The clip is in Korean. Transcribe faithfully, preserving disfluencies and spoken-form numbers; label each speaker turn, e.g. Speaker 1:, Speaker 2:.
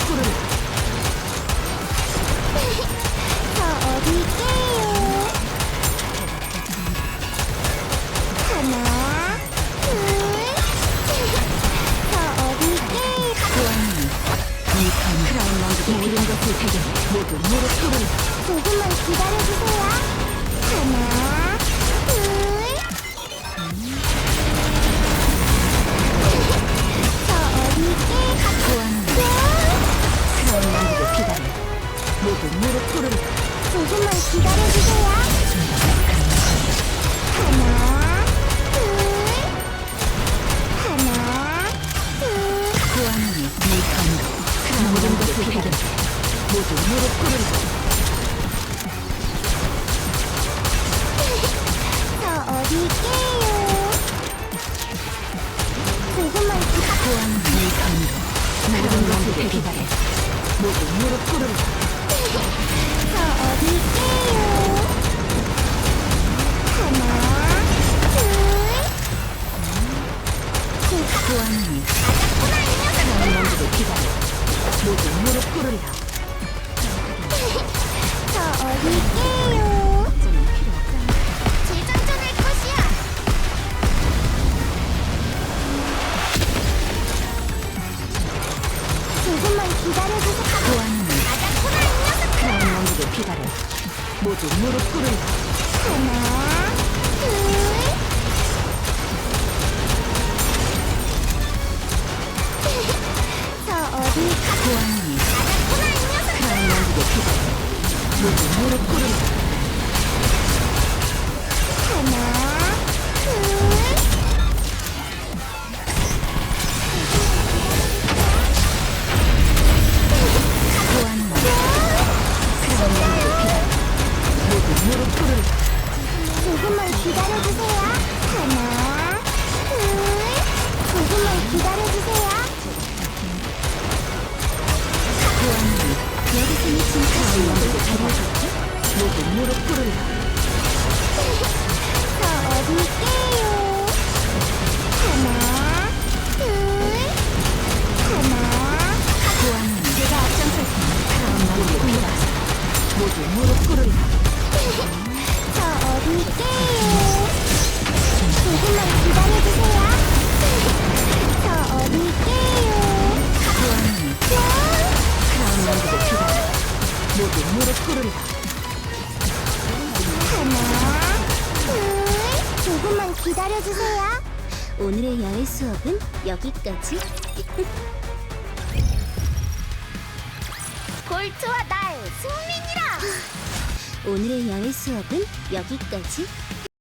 Speaker 1: 꿇으라.
Speaker 2: 저 어디 있게요? 하나, 둘, 저 어디 있게요?
Speaker 1: 보아하니 이 크라운 왕국의 모든 것을 배경 모두 무릎 꿇으라.
Speaker 2: 조금만 기다려주세요. 하나, 둘, 저 어디 있게요?
Speaker 1: 보아하니 크라운 왕국의 비단을 모두 무릎 꿇으라.
Speaker 2: 조금만 기다려주세요. 하나, 둘, 하나, 둘.
Speaker 1: 보아하니 이 감각 모든 것을 배경 모두 무릎 꿇으라.
Speaker 2: 저 어디 있게요? 조금만 기다려.
Speaker 1: 보아하니 이 감각 모든 것을 배경 모두 무릎 꿇으라.
Speaker 2: 저 어디 있게요? 하나, 둘, 셋.
Speaker 1: 보아하니
Speaker 2: 맞았구나, 이
Speaker 1: 크라운
Speaker 2: 녀석들아.
Speaker 1: 왕국의 비단을 모두 무릎 꿇으라.
Speaker 2: 저 어디 있게요?
Speaker 1: 어쩌면 필요 없잖아.
Speaker 2: 재장전할 것이야. 조금만 기다려주세요.
Speaker 1: 보아하니
Speaker 2: 맞았구나, 이 녀석들아.
Speaker 1: 크라운 왕국의 비단을 모두 무릎 꿇으라.
Speaker 2: 하나, 둘, 저 어디
Speaker 1: 보아하니
Speaker 2: 맞았구나, 이 녀석들아.
Speaker 1: 크라운 왕국의 비단을 모두 무릎 꿇으라.
Speaker 2: 하나, 둘,
Speaker 1: 보아하니 크라운 왕국의 비단을 모두 무릎 꿇으라.
Speaker 2: 조금만 기다려주세요. 하나, 둘, 조금만 기다려주세요.
Speaker 1: 보아하니
Speaker 2: 여기서는 진짜
Speaker 1: 크라운 왕국의 비단을 모두 무릎 꿇으라.
Speaker 2: 저 어디 있게요? 하나, 둘, 하나.
Speaker 1: 보아하니 내가 앞장설 테니 크라운 왕국의 비단을 모두 무릎 꿇으라.
Speaker 2: 저 어디 있게요? 조금만 기다려주세요. 저 어디 있게요?
Speaker 1: 보아하니
Speaker 2: 뿅!
Speaker 1: 크라운 왕국의 비단을 모두 무릎 꿇으라.
Speaker 2: 하나, 둘, 조금만 기다려주세요. 오늘의 야외 수업은 여기까지. 골트와 나의 승민이라. 오늘의 야외 수업은 여기까지.